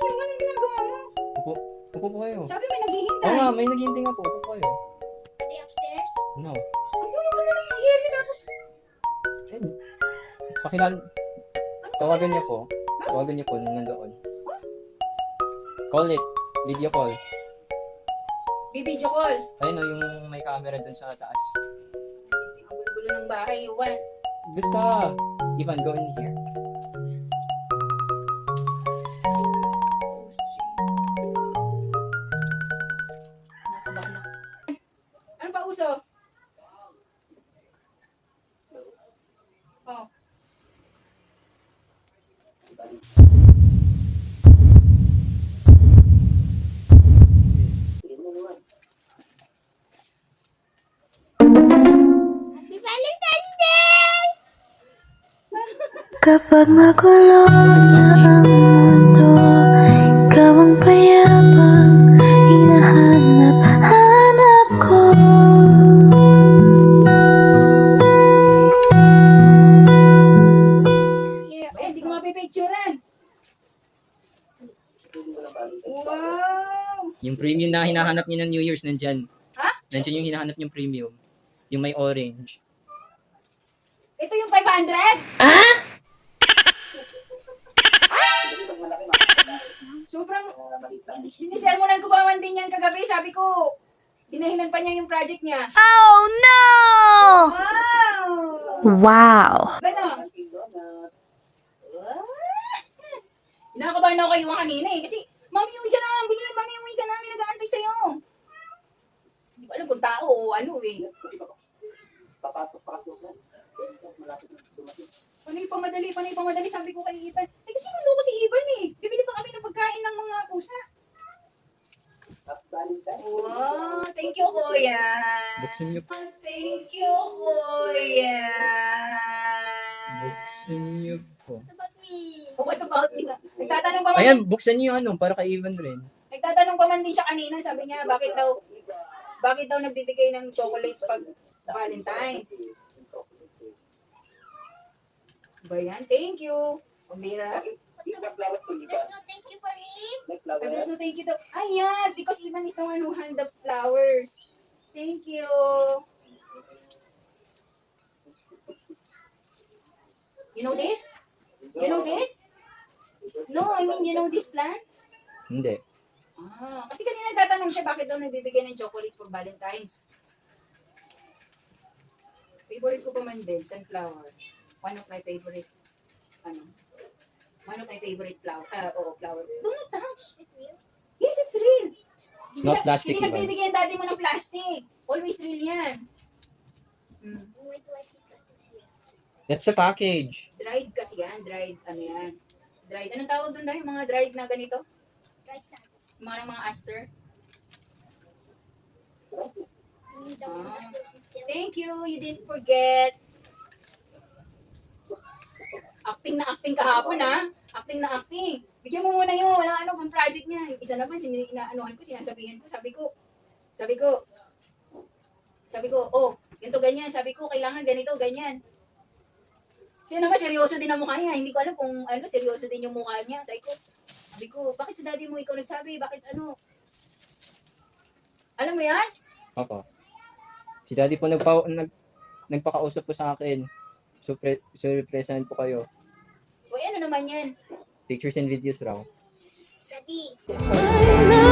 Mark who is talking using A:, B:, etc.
A: Anong ginagawa mo?
B: Upo. Upo po kayo.
A: Sabi may naghihintay.
B: Oo nga, may naghihintay nga po. Upo po kayo.
C: Are they upstairs?
B: No.
A: Ang gulo ka na ng area tapos...
B: Eh, pakilala. Tawagan niya po. Tawagan niya po nung nandoon. Call it. Video call.
A: Bibidyo call.
B: Ayun o, yung may camera dun sa taas.
A: Ang gulo-gulo ng bahay, Juan.
B: Basta. Ivan, go in here.
A: Nakabahan ako. Ano pa uso? Oh.
C: Happy Valentine's Day!
D: Kapag magulo na ang mundo, ikaw ang payapang hinahanap-hanap ko.
A: Eh, hindi ko mapipicturean. Wow!
B: Yung premium na hinahanap niyo ng New Year's, nandyan.
A: Ha?
B: Nandyan yung hinahanap niyong premium. Yung may orange.
A: Ito yung 500? Sobrang sinisermonan ko pa man din yan kagabi. Sabi ko, dinahilan pa niya yung project niya.
D: Oh no!
A: Wow!
D: Wow!
A: Ano? Nakakabahan ako kayo kanina eh. Kasi, Mami, uwi ka na. Mami, uwi ka na. May nag-aantay sa'yo. Hindi ko alam kung tao o ano eh. Panay pamadali. Sabi ko kay Ivan. Eh, kasi mundo ko si Ivan eh. Bibili pa kami ng pagkain ng mga pusa. Wow, thank you, Kuya.
B: Buksan niyo po.
A: Thank you, Kuya.
B: Buksan niyo po.
C: What about me?
A: Oh, what about me? Nagtatanong pa man,
B: Ayan, buksan niyo yung ano, para kay Ivan rin.
A: nagtatanong pa man din siya kanina. Sabi niya, bakit daw nagbibigay ng chocolates pag Valentine's? Ba yan? Thank you. Pambira.
C: There's no thank you for him.
A: There's no thank you daw. Ayan, because Ivan is the one who hand the flowers. Thank you. You know this? You know this? No, I mean, you know this plant?
B: Hindi.
A: Kasi kanina nagtatanong siya bakit daw nagbibigay ng chocolates pag Valentine's. Favorite ko pa man din, sunflower. One of my favorite, one of my favorite flower. Flower. Do not touch.
C: Is it real?
A: Yes, it's real.
B: It's not plastic,
A: Hindi
B: Ivan.
A: nagbibigay ang daddy mo ng plastic. Always real yan.
C: When do I see plastic here?
B: That's a package.
A: Dried kasi yan. Dried, yan. Dried. Anong tawag doon dahil? Yung mga dried na ganito?
C: Dry plants.
A: Mga aster.
C: We don't want those in silk.
A: Thank you. You didn't forget. Acting na acting kahapon, ha? Acting na acting. Bigyan mo muna yun. Walang pang project niya. Yung isa naman, sinasabihan ko. Sabi ko, oh, ganito, ganyan. Sabi ko, kailangan ganito, ganyan. Siya naman, seryoso din ang mukha niya. Hindi ko alam kung seryoso din yung mukha niya. Sabi ko, bakit sa daddy mo ikaw nagsabi? Bakit ano? Alam mo yan?
B: Opo. Si daddy po nagpakausap po sa akin. Surpresahan po kayo.
A: O ano naman yan?
B: Pictures and videos raw.
C: Daddy.
D: Ay,